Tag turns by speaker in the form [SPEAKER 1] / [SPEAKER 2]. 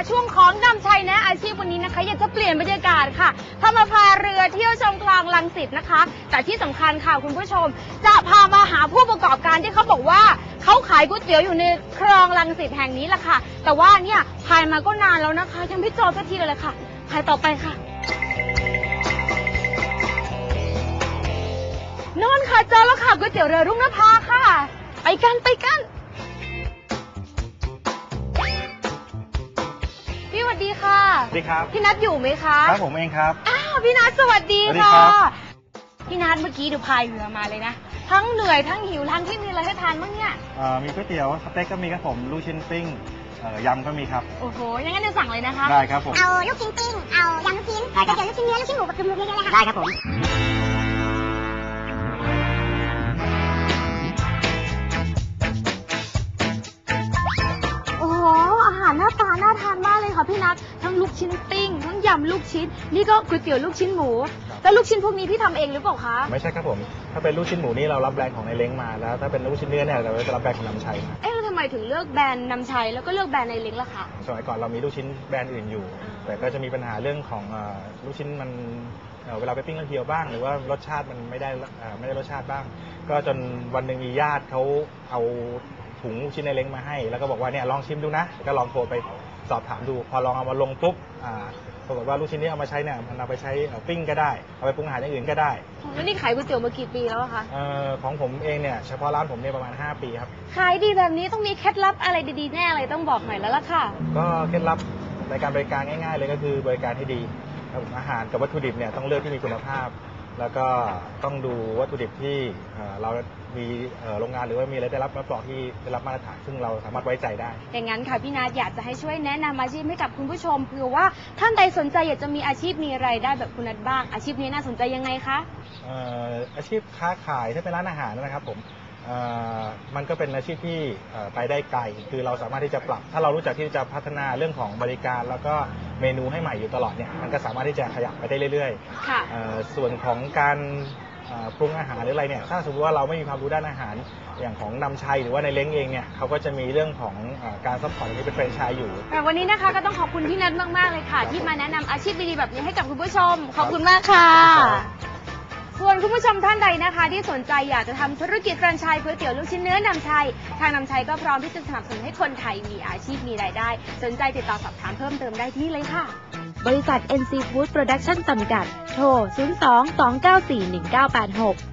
[SPEAKER 1] ช่วงของนำชัยนะอาชีพวันนี้นะคะอยากจะเปลี่ยนบรรยากาศค่ะพามาพาเรือเที่ยวชมคลองรังสิตนะคะแต่ที่สำคัญค่ะคุณผู้ชมจะพามาหาผู้ประกอบการที่เขาบอกว่าเขาขายก๋วยเตี๋ยวอยู่ในคลองรังสิตแห่งนี้แหละค่ะแต่ว่าเนี่ยพายมาก็นานแล้วนะคะยังไม่เจอสักทีเลยค่ะพายต่อไปค่ะนอนค่ะเจอแล้วค่ะก๋วยเตี๋ยวเรือรุ่งนภาค่ะไปกันพี่สวัสดีค่ะ
[SPEAKER 2] สวัสดีครับ
[SPEAKER 1] พี่นัทอยู่ไหมคะ
[SPEAKER 2] ครับผมเองครับ
[SPEAKER 1] อ้าวพี่นัทสวัสดีค่ะพี่นัทเมื่อกี้ดูพายเรือมาเลยนะทั้งเหนื่อยทั้งหิวทั้งที่มีอะไรให้ทานบ้างเนี่ย
[SPEAKER 2] มีก๋วยเตี๋ยวสเต็กก็มีครับผมลูกชิ้นปิ้งยำก็มีครับ
[SPEAKER 1] โอ้โหอย่างนั้นเดี๋ยวสั่งเลยนะคะ
[SPEAKER 2] ได้ครับผม
[SPEAKER 3] เอาลูกชิ้นปิ้งเอายำลูกชิ้นก๋วยเตี๋ยวลูกชิ้นเนื้อลูกชิ้นหมูกับกึ่มๆเยอะๆเลยค่ะได้ครับผม
[SPEAKER 1] โอ้โหอาหารหน้าตาน่าทานมากเลยค่ะพี่นัททั้งลูกชิ้นปิ้งทั้งยำลูกชิ้นนี่ก็ก๋วยเตี๋ยวลูกชิ้นหมูแล้วลูกชิ้นพวกนี้พี่ทำเองหรือเปล่าคะ
[SPEAKER 2] ไม่ใช่ครับผมถ้าเป็นลูกชิ้นหมูนี่เรารับแบรนด์ของในเล้งมาแล้วถ้าเป็นลูกชิ้นเนื้อเนี่ยเราจะรับแบรนด์ของนำชัย
[SPEAKER 1] แล้วทำไมถึงเลือกแบรนด์นำชัยแล้วก็เลือกแบรนด์ในเล้งล่ะคะ
[SPEAKER 2] สมัยก่อนเรามีลูกชิ้นแบรนด์อื่นอยู่แต่ก็จะมีปัญหาเรื่องของลูกชิ้นมันเวลาไปปิ้งแล้วเหี่ยวบ้างหรือว่ารสชาติมันไม่ได้รสชาติบ้างก็จนวันหนึ่งมีญาติเขาเอาถุงลูกชิ้นในเล้งมาให้แล้วก็บอกว่าเนี่ยลองชิมดูนะก็ลองโทรไปสอบถามดูพอลองเอามาลงปุ๊บปรากฏว่าลูกชิ้นนี้เอามาใช้เนี่ยมันเอาไปใช้ปิ้งก็ได้เอาไปปรุงอาหารอย่างอื่นก็ได้
[SPEAKER 1] แล้วนี่ขายก๋วยเตี๋ยวมากี่ปีแล้วคะ
[SPEAKER 2] ของผมเองเนี่ยเฉพาะร้านผมเนี่ยประมาณ5 ปีครับ
[SPEAKER 1] ขายดีแบบนี้ต้องมีเคล็ดลับอะไรดีๆแน่อะไรต้องบอกหน่อยแล้วล่ะค่ะ
[SPEAKER 2] ก็เคล็ดลับในการบริการง่ายๆเลยก็คือบริการให้ดีอาหารกับวัตถุดิบเนี่ยต้องเลือกที่มีคุณภาพแล้วก็ต้องดูวัตถุดิบที่เรามีโรงงานหรือว่ามีอะไรได้รับมาตรฐานที่ได้รับมาตรฐานซึ่งเราสามารถไว้ใจได้
[SPEAKER 1] อย่างนั้นค่ะพี่นัทอยากจะให้ช่วยแนะนำอาชีพให้กับคุณผู้ชมเผื่อว่าท่านใดสนใจอยากจะมีอาชีพมีรายได้แบบคุณนัทบ้างอาชีพนี้น่าสนใจยังไงคะ
[SPEAKER 2] อาชีพค้าขายถ้าเป็นร้านอาหารนะครับผมมันก็เป็นอาชีพที่ไปได้ไกลคือเราสามารถที่จะปรับถ้าเรารู้จักที่จะพัฒนาเรื่องของบริการแล้วก็เมนูให้ใหม่อยู่ตลอดเนี่ยมันก็สามารถที่จะขยับไปได้เรื่อยๆส่วนของการปรุงอาหารหรืออะไรเนี่ยถ้าสมมติว่าเราไม่มีความรู้ด้านอาหารอย่างของนำชัยหรือว่าในเล้งเองเนี่ยเขาก็จะมีเรื่องของการซัพพอร์ตที่เป็นแฟรนไชส์อยู่
[SPEAKER 1] วันนี้นะคะก็ต้องขอบคุณพี่นัทมากๆเลยค่ะที่มาแนะนำอาชีพดีๆแบบนี้ให้กับคุณผู้ชมขอบคุณมากค่ะส่วนคุณผู้ชมท่านใดนะคะที่สนใจอยากจะทำธุรกิจแฟรนไชส์ก๋วยเตี๋ยวลูกชิ้นเนื้อนำชัยทางนำชัยก็พร้อมที่จะสนับสนุนให้คนไทยมีอาชีพมีรายได้สนใจติดต่อสอบถามเพิ่มเติมได้ที่เลยค่ะบริษัท NC Food Production จำกัดโทร 02 294 1986